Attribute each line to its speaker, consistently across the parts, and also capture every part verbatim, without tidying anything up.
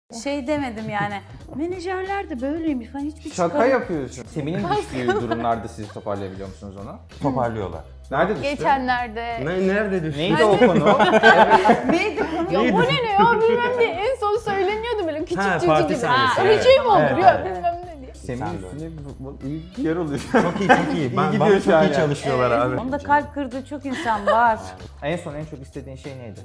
Speaker 1: Şey demedim yani, menajerler de böyleymiş falan hiçbir
Speaker 2: Şaka
Speaker 1: çıkarım-
Speaker 2: yapıyorsun. Semih'in düştüğü durumlarda sizi toparlayabiliyor musunuz onu?
Speaker 3: Toparlıyorlar.
Speaker 2: Nerede düştü?
Speaker 4: Geçenlerde.
Speaker 3: Ne, nerede düştü?
Speaker 2: Neydi o konu?
Speaker 1: Neydi konu?
Speaker 4: Ya bu ne ne ya bilmem ne en son söyleniyordu böyle küçük
Speaker 3: Ha,
Speaker 4: çocuk
Speaker 3: parti
Speaker 4: gibi.
Speaker 3: sahnesi,
Speaker 4: Öyle
Speaker 3: evet.
Speaker 4: şey mi olur
Speaker 3: Evet,
Speaker 4: ya
Speaker 3: evet.
Speaker 4: bilmem ne diye.
Speaker 2: Semih'in
Speaker 3: Sen de.
Speaker 2: üstüne bu- bu- iyi bir yer oluyor.
Speaker 3: Çok iyi, çok iyi. Ben,
Speaker 2: gidiyor
Speaker 3: bana
Speaker 2: şu
Speaker 3: çok
Speaker 2: an
Speaker 3: iyi
Speaker 2: yani.
Speaker 3: çalışıyorlar abi.
Speaker 1: Onda kalp kırdığı çok insan var.
Speaker 2: En son en çok istediğin şey neydi?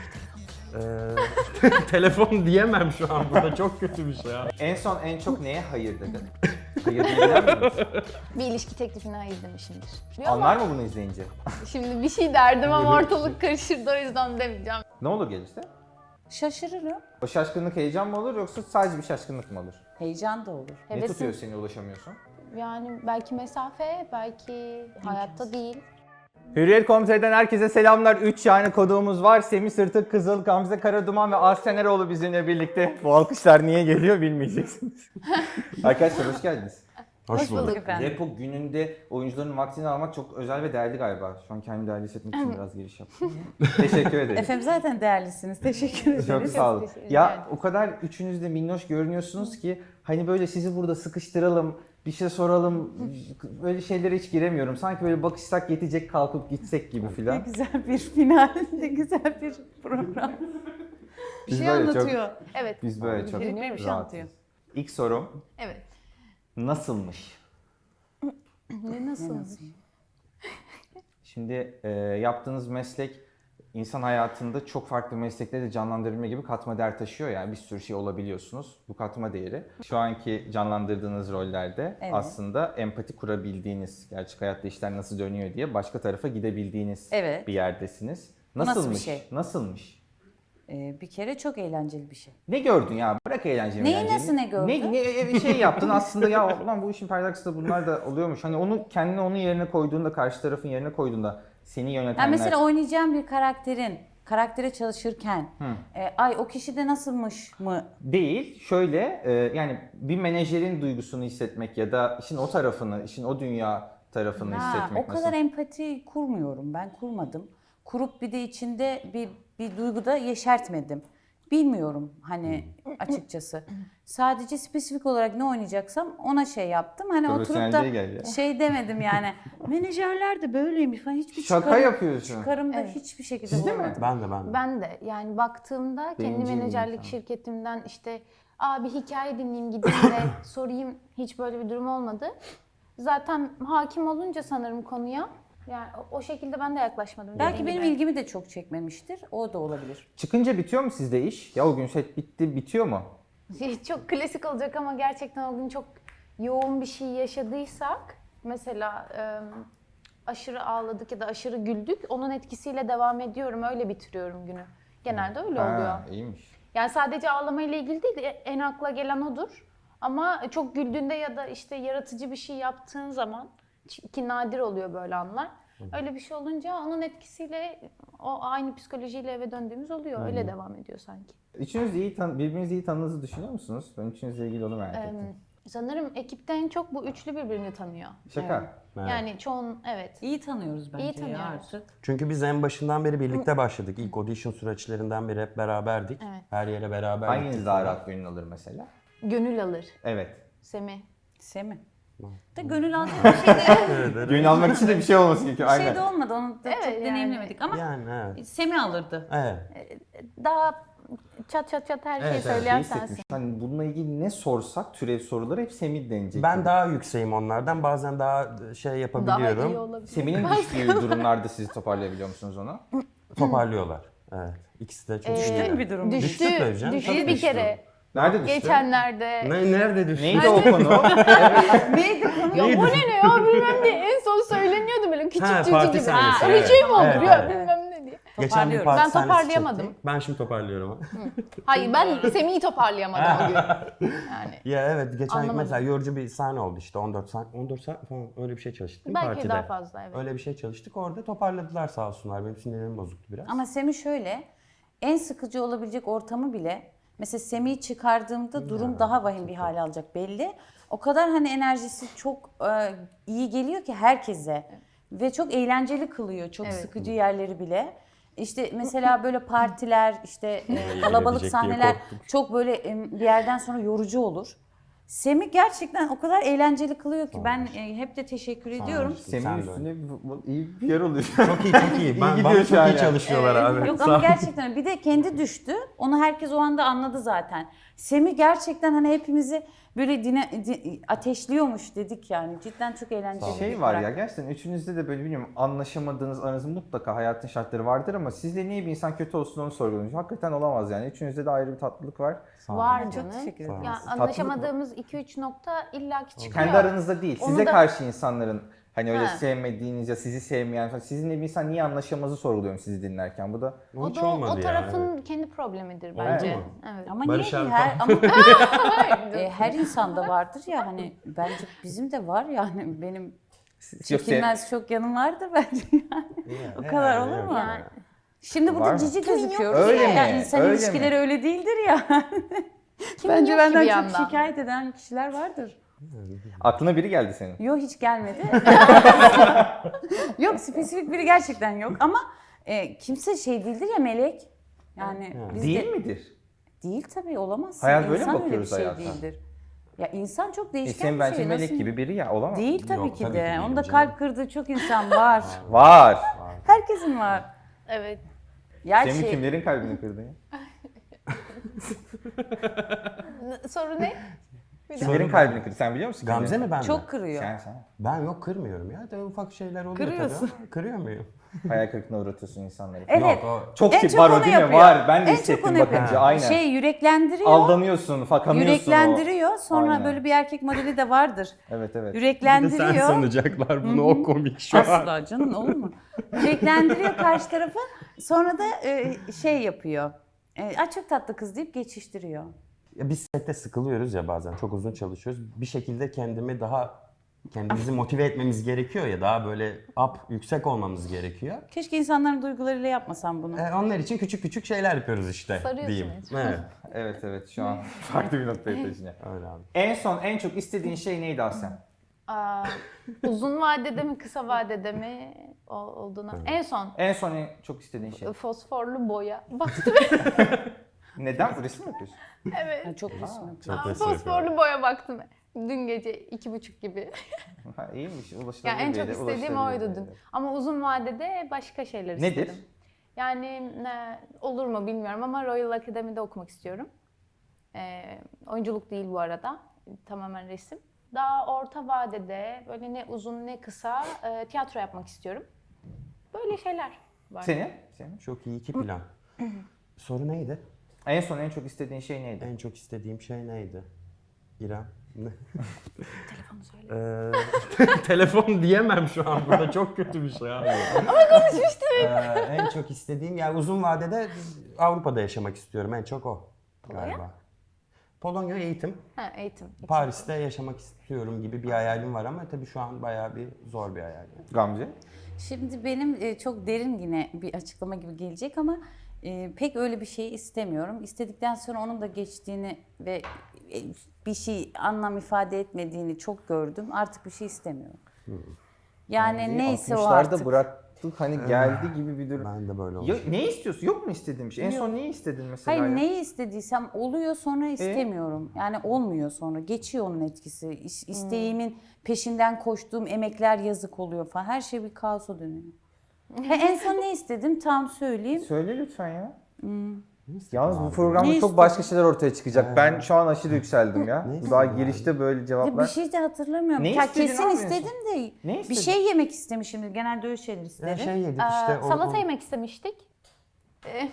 Speaker 3: Ee, telefon diyemem şu an burada, çok kötü bir şey ya.
Speaker 2: En son en çok neye hayır dedin? Hayır diyebilir miyiz?
Speaker 4: Bir ilişki teklifine hayır demişimdir. Ama
Speaker 2: Anlar mı bunu izleyince?
Speaker 4: şimdi bir şey derdim ama ortalık karışırdı o yüzden demeyeceğim.
Speaker 2: Ne olur gelirse?
Speaker 1: Şaşırırım.
Speaker 2: O şaşkınlık heyecan mı olur yoksa sadece bir şaşkınlık mı olur?
Speaker 1: Heyecan da olur.
Speaker 2: Ne
Speaker 4: Hevesim.
Speaker 2: tutuyor seni ulaşamıyorsun?
Speaker 4: Yani belki mesafe, belki hayatta değil.
Speaker 2: Hürriyet nokta com.tr'den herkese selamlar. üç yani koduğumuz var. Semih Sırtık, Kızıl, Gamze Karaduman ve Aslen Eroğlu bizimle birlikte. Bu alkışlar niye geliyor bilmeyeceksiniz. Arkadaşlar hoş geldiniz.
Speaker 3: Hoş,
Speaker 4: Hoş
Speaker 3: bulduk.
Speaker 4: bulduk.
Speaker 1: Efendim.
Speaker 2: Repo gününde oyuncuların vaktini almak çok özel ve değerli galiba. Şu an kendimi değerli hissetmek için biraz giriş yaptım. Teşekkür ederim.
Speaker 1: Efendim zaten değerlisiniz. Teşekkür ederiz.
Speaker 2: Çok sağ olun.
Speaker 4: teşekkür ederim.
Speaker 2: Ya o kadar üçünüz de minnoş görünüyorsunuz ki hani böyle sizi burada sıkıştıralım, bir şey soralım, böyle şeylere hiç giremiyorum. Sanki böyle bakışsak yetecek kalkıp gitsek gibi
Speaker 1: Ne
Speaker 2: filan.
Speaker 1: güzel bir final, ne güzel bir program. Bir
Speaker 2: Biz
Speaker 1: şey
Speaker 2: böyle çok-
Speaker 1: anlatıyor.
Speaker 4: Evet.
Speaker 2: Biz böyle çok
Speaker 1: Biri bir şey
Speaker 2: rahatız.
Speaker 1: anlatıyor.
Speaker 2: İlk sorum
Speaker 4: Evet.
Speaker 2: nasılmış?
Speaker 4: Ne nasıl?
Speaker 2: Şimdi e, yaptığınız meslek insan hayatında çok farklı meslekleri de canlandırma gibi katma değer taşıyor. Yani bir sürü şey olabiliyorsunuz. Bu katma değeri. Şu anki canlandırdığınız rollerde
Speaker 1: Evet.
Speaker 2: aslında empati kurabildiğiniz, gerçek hayatta işler nasıl dönüyor diye başka tarafa gidebildiğiniz
Speaker 1: Evet.
Speaker 2: bir yerdesiniz.
Speaker 1: Nasıl bir
Speaker 2: Nasılmış?
Speaker 1: şey?
Speaker 2: Nasılmış?
Speaker 1: Ee, bir kere çok eğlenceli bir şey.
Speaker 2: Ne gördün ya? Bırak eğlenceyi.
Speaker 1: Neyi
Speaker 2: eğlenceyi.
Speaker 1: nasıl ne gördün?
Speaker 2: Ne, ne bir şey yaptın aslında ya ulan bu işin perdesi de bunlar da oluyormuş. Hani onu kendini onun yerine koyduğunda, karşı tarafın yerine koyduğunda seni yönetenler...
Speaker 1: Yani mesela oynayacağım bir karakterin, karaktere çalışırken, e, ay o kişi de nasılmış mı?
Speaker 2: Değil. Şöyle e, yani bir menajerin duygusunu hissetmek ya da işin o tarafını, işin o dünya tarafını
Speaker 1: Ha,
Speaker 2: hissetmek
Speaker 1: o kadar
Speaker 2: nasıl?
Speaker 1: empati kurmuyorum, ben kurmadım. Kurup bir de içinde bir, bir duyguda yeşertmedim. Bilmiyorum hani açıkçası. Sadece spesifik olarak ne oynayacaksam ona şey yaptım. Hani oturup
Speaker 2: Profesyonelliğe
Speaker 1: da
Speaker 2: gel ya.
Speaker 1: şey demedim yani. Menajerler de böyleymiş falan hiçbir
Speaker 2: Şaka
Speaker 1: çıkarım,
Speaker 2: yapıyorsun.
Speaker 1: çıkarımda
Speaker 4: Evet.
Speaker 1: hiçbir şekilde
Speaker 2: Siz de mi?
Speaker 1: bulamadım.
Speaker 3: Ben de ben de.
Speaker 4: Ben de yani baktığımda kendi
Speaker 2: Bencil bir
Speaker 4: menajerlik
Speaker 2: insan.
Speaker 4: şirketimden işte aa bir hikaye dinleyeyim gideyim de sorayım hiç böyle bir durum olmadı. Zaten hakim olunca sanırım konuya yani o- o şekilde ben de yaklaşmadım.
Speaker 1: Belki
Speaker 4: dediğim
Speaker 1: benim
Speaker 4: gibi.
Speaker 1: ilgimi de çok çekmemiştir. O da olabilir.
Speaker 2: Çıkınca bitiyor mu sizde iş? Ya o gün set bitti, bitiyor mu?
Speaker 4: Çok klasik olacak ama gerçekten o gün çok yoğun bir şey yaşadıysak mesela e, aşırı ağladık ya da aşırı güldük onun etkisiyle devam ediyorum öyle bitiriyorum günü. Genelde öyle oluyor.
Speaker 2: Ha, iyiymiş.
Speaker 4: Yani sadece ağlamayla ilgili değil, en akla gelen odur. Ama çok güldüğünde ya da işte yaratıcı bir şey yaptığın zaman, ki nadir oluyor böyle anlar. Öyle bir şey olunca onun etkisiyle o aynı psikolojiyle eve döndüğümüz oluyor. Öyle devam ediyor sanki.
Speaker 2: Üçünüz de iyi tan- birbirinizi iyi tanıdığınızı düşünüyor musunuz? Ben üçünüzle ilgili onu merak
Speaker 4: Ee,
Speaker 2: ettim.
Speaker 4: sanırım ekipte en çok bu üçlü birbirini tanıyor.
Speaker 2: Şaka.
Speaker 3: Evet.
Speaker 4: Yani çoğun evet.
Speaker 1: İyi tanıyoruz bence
Speaker 4: İyi
Speaker 1: ya
Speaker 4: tanıyoruz.
Speaker 1: artık.
Speaker 3: Çünkü biz en başından beri birlikte başladık. İlk audition süreçlerinden beri hep beraberdik.
Speaker 4: Evet.
Speaker 3: Her yere beraber
Speaker 2: Hanginiz
Speaker 3: gittik
Speaker 2: daha
Speaker 3: falan.
Speaker 2: rahat gönül alır mesela?
Speaker 4: Gönül alır.
Speaker 2: Evet.
Speaker 4: Semih.
Speaker 1: Semi. Da gönül aldığı bir şey de,
Speaker 2: Gönül almak için de bir şey olması gerekiyor.
Speaker 1: bir
Speaker 2: Aynen.
Speaker 1: şey de olmadı. Onu da
Speaker 4: Evet,
Speaker 1: çok
Speaker 4: yani.
Speaker 1: deneyimlemedik ama
Speaker 3: Yani evet.
Speaker 1: Semi alırdı.
Speaker 3: Evet.
Speaker 4: Daha çat çat çat her şeyi
Speaker 3: Evet, evet,
Speaker 4: söyleyen
Speaker 2: İyi
Speaker 4: sensin.
Speaker 2: hissetmiş. Hani bununla ilgili ne sorsak türev soruları hep Semih denecek.
Speaker 3: Ben
Speaker 2: gibi.
Speaker 3: daha yükseğim onlardan. Bazen daha şey
Speaker 4: Daha
Speaker 3: yapabiliyorum.
Speaker 4: iyi olabilir.
Speaker 2: Semih'in düştüğü durumlarda sizi toparlayabiliyor musunuz onu?
Speaker 3: Toparlıyorlar. Evet. İkisi de çok
Speaker 4: Ee,
Speaker 3: iyi.
Speaker 1: Düştün mü bir durum?
Speaker 4: Düştü.
Speaker 3: Düştü tabii canım,
Speaker 4: Düştü
Speaker 3: tabii
Speaker 4: bir
Speaker 3: düştü.
Speaker 4: kere.
Speaker 2: Nerede düştü?
Speaker 4: Geçenlerde.
Speaker 3: Ne, nerede düştü?
Speaker 2: Neydi o konu?
Speaker 1: Neydi konu?
Speaker 4: Ya bu ne ne ya bilmem ne en son söyleniyordu böyle küçük
Speaker 3: Ha,
Speaker 4: çocuk
Speaker 3: parti
Speaker 4: gibi.
Speaker 3: sahnesi,
Speaker 4: Öyle
Speaker 3: evet.
Speaker 4: şey mi olur
Speaker 3: Evet,
Speaker 4: ya
Speaker 3: evet.
Speaker 4: bilmem ne diye.
Speaker 3: Geçen bir
Speaker 1: Toparlıyorum.
Speaker 3: parti
Speaker 4: Ben
Speaker 3: sahnesi
Speaker 4: toparlayamadım.
Speaker 3: çektik. Ben şimdi toparlıyorum.
Speaker 4: Hayır ben Semih'i toparlayamadım o gün. Yani
Speaker 3: Ya evet, geçen
Speaker 4: Anlamadım.
Speaker 3: mesela yorucu bir sahne oldu işte on dört saat, on dört saat falan öyle bir şey çalıştık değil mi
Speaker 4: belki
Speaker 3: partide?
Speaker 4: daha fazla evet.
Speaker 3: Öyle bir şey çalıştık. Orada toparladılar sağ olsunlar. Benim sinirlerim bozuktu biraz.
Speaker 1: Ama Semi şöyle, en sıkıcı olabilecek ortamı bile, mesela Semi'yi çıkardığımda durum daha vahim bir hale alacak belli. O kadar hani enerjisi çok e, iyi geliyor ki herkese ve çok eğlenceli kılıyor çok
Speaker 4: Evet.
Speaker 1: sıkıcı yerleri bile. İşte mesela böyle partiler, işte e, kalabalık
Speaker 3: diyecek diye
Speaker 1: sahneler
Speaker 3: korktum.
Speaker 1: çok böyle e, bir yerden sonra yorucu olur. Semih gerçekten o kadar eğlenceli kılıyor ki ben e, hep de teşekkür ediyorum.
Speaker 3: Sen
Speaker 2: Semih'in
Speaker 3: de
Speaker 2: üstüne bir- bu- iyi bir yer oluyor.
Speaker 3: Çok iyi çok iyi. Ben,
Speaker 2: gidiyor
Speaker 3: bana
Speaker 2: şu
Speaker 3: çok
Speaker 2: an
Speaker 3: iyi
Speaker 2: yani.
Speaker 3: çalışıyorlar abi.
Speaker 1: Yok
Speaker 3: Sağ
Speaker 1: ama
Speaker 3: ol.
Speaker 1: gerçekten bir de kendi düştü. Onu herkes o anda anladı zaten. Semih gerçekten hani hepimizi böyle dine, di- ateşliyormuş dedik yani. Cidden çok eğlenceli bir
Speaker 2: Şey var ya
Speaker 1: karakter.
Speaker 2: gerçekten üçünüzde de böyle bilmiyorum anlaşamadığınız aranızda mutlaka hayatın şartları vardır ama sizde niye bir insan kötü olsun onu sorguluyorsunuz. Hakikaten olamaz yani. Üçünüzde de ayrı bir tatlılık var.
Speaker 3: Sağ ol.
Speaker 4: Var
Speaker 1: Çok
Speaker 4: canım.
Speaker 1: teşekkür ederim.
Speaker 4: Ya
Speaker 2: Tatlılık
Speaker 4: anlaşamadığımız iki üç nokta illaki çıkıyor.
Speaker 2: Kendi aranızda değil.
Speaker 4: Onu
Speaker 2: Size
Speaker 4: da-
Speaker 2: karşı insanların hani öyle
Speaker 4: Ha.
Speaker 2: sevmediğiniz ya sizi sevmeyen falan. Sizinle bir insan niye anlaşamazı sorguluyorum sizi dinlerken. Bu da
Speaker 4: O
Speaker 3: Hiç
Speaker 4: da o,
Speaker 3: olmadı
Speaker 4: o
Speaker 3: ya,
Speaker 4: tarafın
Speaker 3: evet.
Speaker 4: kendi problemidir bence.
Speaker 3: mu?
Speaker 4: Evet.
Speaker 1: Ama
Speaker 3: Barış
Speaker 1: niye
Speaker 3: abi
Speaker 1: ki? her ama e, her insanda vardır ya hani bence bizim de var yani benim çekilmez çok yanım vardır bence yani. O kadar olur mu?
Speaker 4: Yani.
Speaker 1: Şimdi
Speaker 2: Var
Speaker 1: burada
Speaker 2: mı?
Speaker 1: cici gözüküyoruz
Speaker 2: Öyle
Speaker 1: ya.
Speaker 2: mi?
Speaker 1: Yani insan
Speaker 2: Öyle
Speaker 1: ilişkileri
Speaker 2: mi?
Speaker 1: öyle değildir ya.
Speaker 4: Kimin
Speaker 1: Bence
Speaker 4: yok ki bir
Speaker 1: benden çok
Speaker 4: yandan?
Speaker 1: şikayet eden kişiler vardır.
Speaker 2: Aklına biri geldi senin.
Speaker 1: Yok hiç gelmedi. Yok spesifik biri gerçekten yok ama e, kimse şey değildir ya melek. Yani biz
Speaker 2: Değil
Speaker 1: de,
Speaker 2: midir?
Speaker 1: Değil tabii olamaz.
Speaker 2: Hayat böyle mi
Speaker 1: İnsan öyle bir
Speaker 2: bakıyoruz
Speaker 1: şey
Speaker 2: hayata?
Speaker 1: değildir. Ya insan çok
Speaker 2: E
Speaker 1: değişken
Speaker 2: senin
Speaker 1: bir
Speaker 2: bence
Speaker 1: şey.
Speaker 2: melek
Speaker 1: Nasıl-
Speaker 2: gibi biri ya olamaz.
Speaker 1: Değil tabii
Speaker 3: Yok,
Speaker 1: ki
Speaker 3: tabii
Speaker 1: de.
Speaker 3: ki değilim
Speaker 1: Onda
Speaker 3: canım.
Speaker 1: kalp kırdığı çok insan var.
Speaker 2: Var.
Speaker 1: Herkesin var.
Speaker 4: Evet.
Speaker 1: Ya
Speaker 2: Senin
Speaker 1: şey,
Speaker 2: kimlerin kalbini kırdın ya?
Speaker 4: N- Soru ne?
Speaker 2: Kimlerin kalbini kırdı? Sen biliyor musun?
Speaker 3: Gamze
Speaker 2: kimlerin?
Speaker 3: mi ben mi?
Speaker 1: çok kırıyor.
Speaker 2: Sen sen.
Speaker 3: Ben yok kırmıyorum ya. Tabii ufak şeyler oluyor
Speaker 1: Kırıyorsun.
Speaker 3: tabii ama kırıyor muyum?
Speaker 2: Hayal kırıklığına uğratıyorsun insanları.
Speaker 1: Evet.
Speaker 3: Yok o
Speaker 2: Çok
Speaker 1: En
Speaker 2: tip
Speaker 1: çok
Speaker 2: var o
Speaker 1: onu
Speaker 2: değil mi?
Speaker 1: yapıyor.
Speaker 2: Var. Ben de
Speaker 1: En çok
Speaker 2: hissettim
Speaker 1: onu yapıyor.
Speaker 2: bakınca. Aynen.
Speaker 1: Şey yüreklendiriyor.
Speaker 2: Aldanıyorsun, fakanıyorsun
Speaker 1: yüreklendiriyor. Sonra
Speaker 2: Aynen.
Speaker 1: böyle bir erkek modeli de vardır.
Speaker 2: o. Evet evet.
Speaker 1: Yüreklendiriyor.
Speaker 3: Sen sanacaklar bunu o komik şu an.
Speaker 1: Asla canım olur mu? Yüreklendiriyor karşı tarafı. Sonra da e, şey yapıyor. E, "Ay çok tatlı kız" deyip geçiştiriyor.
Speaker 3: Ya biz sette sıkılıyoruz ya bazen. Çok uzun çalışıyoruz. Bir şekilde kendimi daha kendimizi motive etmemiz gerekiyor ya daha böyle up yüksek olmamız gerekiyor.
Speaker 1: Keşke insanların duygularıyla yapmasam bunu.
Speaker 3: E, onlar için küçük küçük şeyler yapıyoruz işte
Speaker 4: Sarıyorsun
Speaker 3: diyeyim.
Speaker 4: resmen.
Speaker 3: Evet.
Speaker 2: Evet evet şu an farklı bir noktaya taşınıyor.
Speaker 3: Öyle abi.
Speaker 2: En son en çok istediğin şey neydi Aslen?
Speaker 4: Aa, uzun vadede mi kısa vadede mi o- olduğuna. En son
Speaker 2: En son en çok istediğin şey.
Speaker 4: fosforlu boya. Baktım.
Speaker 2: Neden? Bu resim mi yapıyorsun?
Speaker 4: Evet.
Speaker 1: Yani çok resim yapıyor.
Speaker 3: Çok
Speaker 4: Aa,
Speaker 3: resim yapıyorum.
Speaker 4: fosforlu boya baktım. Dün gece iki buçuk gibi.
Speaker 2: Ha, iyiymiş. Ulaşılabilir
Speaker 4: Yani en
Speaker 2: bir
Speaker 4: çok
Speaker 2: yere,
Speaker 4: istediğim
Speaker 2: ulaşılabilir
Speaker 4: oydu
Speaker 2: bir
Speaker 4: dün.
Speaker 2: yere.
Speaker 4: Ama uzun vadede başka şeyler
Speaker 2: Nedir?
Speaker 4: istedim. Yani ne, olur mu bilmiyorum ama Royal Academy'de okumak istiyorum. Ee, oyunculuk değil bu arada. Tamamen resim. Daha orta vadede böyle ne uzun ne kısa e, tiyatro yapmak istiyorum. Böyle şeyler var.
Speaker 2: Senin? Senin?
Speaker 3: Çok iyi iki plan. Soru neydi?
Speaker 2: En son en çok istediğin şey neydi?
Speaker 3: En çok istediğim şey neydi? İrem. Ne?
Speaker 4: Telefonu söyle.
Speaker 3: Ee, telefon diyemem şu an burada çok kötü bir şey abi. Ama konuşmuştuk. en çok istediğim yani uzun vadede Avrupa'da yaşamak istiyorum en çok o galiba. Polonya eğitim.
Speaker 4: Ha, eğitim.
Speaker 3: Paris'te yaşamak istiyorum gibi bir hayalim var ama tabii şu an bayağı bir zor bir hayal.
Speaker 2: Gamze?
Speaker 1: Şimdi benim e, çok derin yine bir açıklama gibi gelecek ama e, pek öyle bir şey istemiyorum. İstedikten sonra onun da geçtiğini ve e, bir şey anlam ifade etmediğini çok gördüm. Artık bir şey istemiyorum. Yani neyse o
Speaker 2: altmışlarda
Speaker 1: artık.
Speaker 2: bıraktık hani geldi gibi bir durum.
Speaker 3: Ben de böyle
Speaker 2: Ya,
Speaker 3: olacağım.
Speaker 2: ne istiyorsun? Yok mu istediğin bir şey? En son neyi istedin mesela?
Speaker 1: Hayır
Speaker 2: ya?
Speaker 1: neyi istediysem oluyor sonra istemiyorum. Yani olmuyor sonra. Geçiyor onun etkisi. İs- İsteğimin peşinden koştuğum emekler yazık oluyor falan. Her şey bir kaosa dönüyor. Ha, en son ne istedim? Tam söyleyeyim.
Speaker 2: Söyle lütfen ya.
Speaker 1: Hmm.
Speaker 2: Yalnız bu programda
Speaker 1: Ne
Speaker 2: çok başka şeyler ortaya çıkacak. Ben şu an aşırı yükseldim ya.
Speaker 3: Ne
Speaker 2: Daha
Speaker 3: istedin
Speaker 2: girişte böyle
Speaker 1: Ya bir
Speaker 2: cevaplar.
Speaker 1: şey de hatırlamıyorum.
Speaker 2: Ne
Speaker 1: Ya
Speaker 2: istedin
Speaker 1: kesin
Speaker 2: abi en
Speaker 1: istedim de
Speaker 2: Ne
Speaker 1: bir
Speaker 2: istedin?
Speaker 1: şey yemek istemişimdir. Genelde öyle şeyler
Speaker 3: Ya
Speaker 1: isterim.
Speaker 3: şey yedik
Speaker 4: Aa,
Speaker 3: işte. o-
Speaker 4: salata
Speaker 3: o,
Speaker 4: yemek istemiştik. Ee,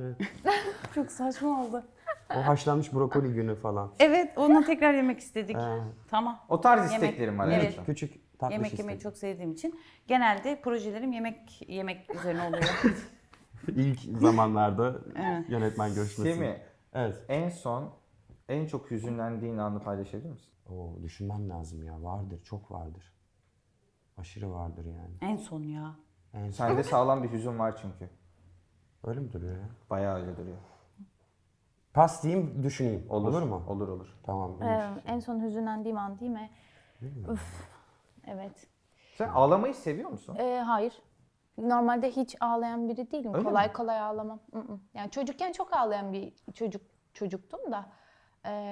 Speaker 1: Çok saçma oldu.
Speaker 3: o haşlanmış brokoli günü falan.
Speaker 1: Evet, onu tekrar yemek istedik.
Speaker 3: Ee,
Speaker 1: Tamam.
Speaker 2: O tarz
Speaker 1: Yemek-
Speaker 2: isteklerim var.
Speaker 1: Evet.
Speaker 2: Evet.
Speaker 3: Küçük tatlı
Speaker 1: Yemek
Speaker 3: şey
Speaker 1: yemeyi
Speaker 3: istedim.
Speaker 1: çok sevdiğim için genelde projelerim yemek yemek üzerine oluyor.
Speaker 3: İlk zamanlarda
Speaker 1: Evet.
Speaker 3: yönetmen görüşmesi.
Speaker 2: Semih,
Speaker 3: Evet.
Speaker 2: en son en çok hüzünlendiğin anı paylaşabilir misin?
Speaker 3: Oo, düşünmem lazım ya. Vardır, çok vardır. Aşırı vardır yani.
Speaker 1: En son ya.
Speaker 3: En son.
Speaker 2: Sende sağlam bir hüzün var çünkü.
Speaker 3: Öyle mi duruyor ya?
Speaker 2: Bayağı öyle duruyor.
Speaker 3: Pas diyeyim, düşüneyim. Olur, mu?
Speaker 2: Olur olur.
Speaker 3: Tamam.
Speaker 4: e, en son hüzünlendiğim an değil mi? Üf. Evet.
Speaker 2: Sen ağlamayı seviyor musun?
Speaker 4: Ee, hayır. Normalde hiç ağlayan biri değilim.
Speaker 2: Öyle
Speaker 4: kolay kolay ağlamam. Mm-mm. Yani çocukken çok ağlayan bir çocuk çocuktum da.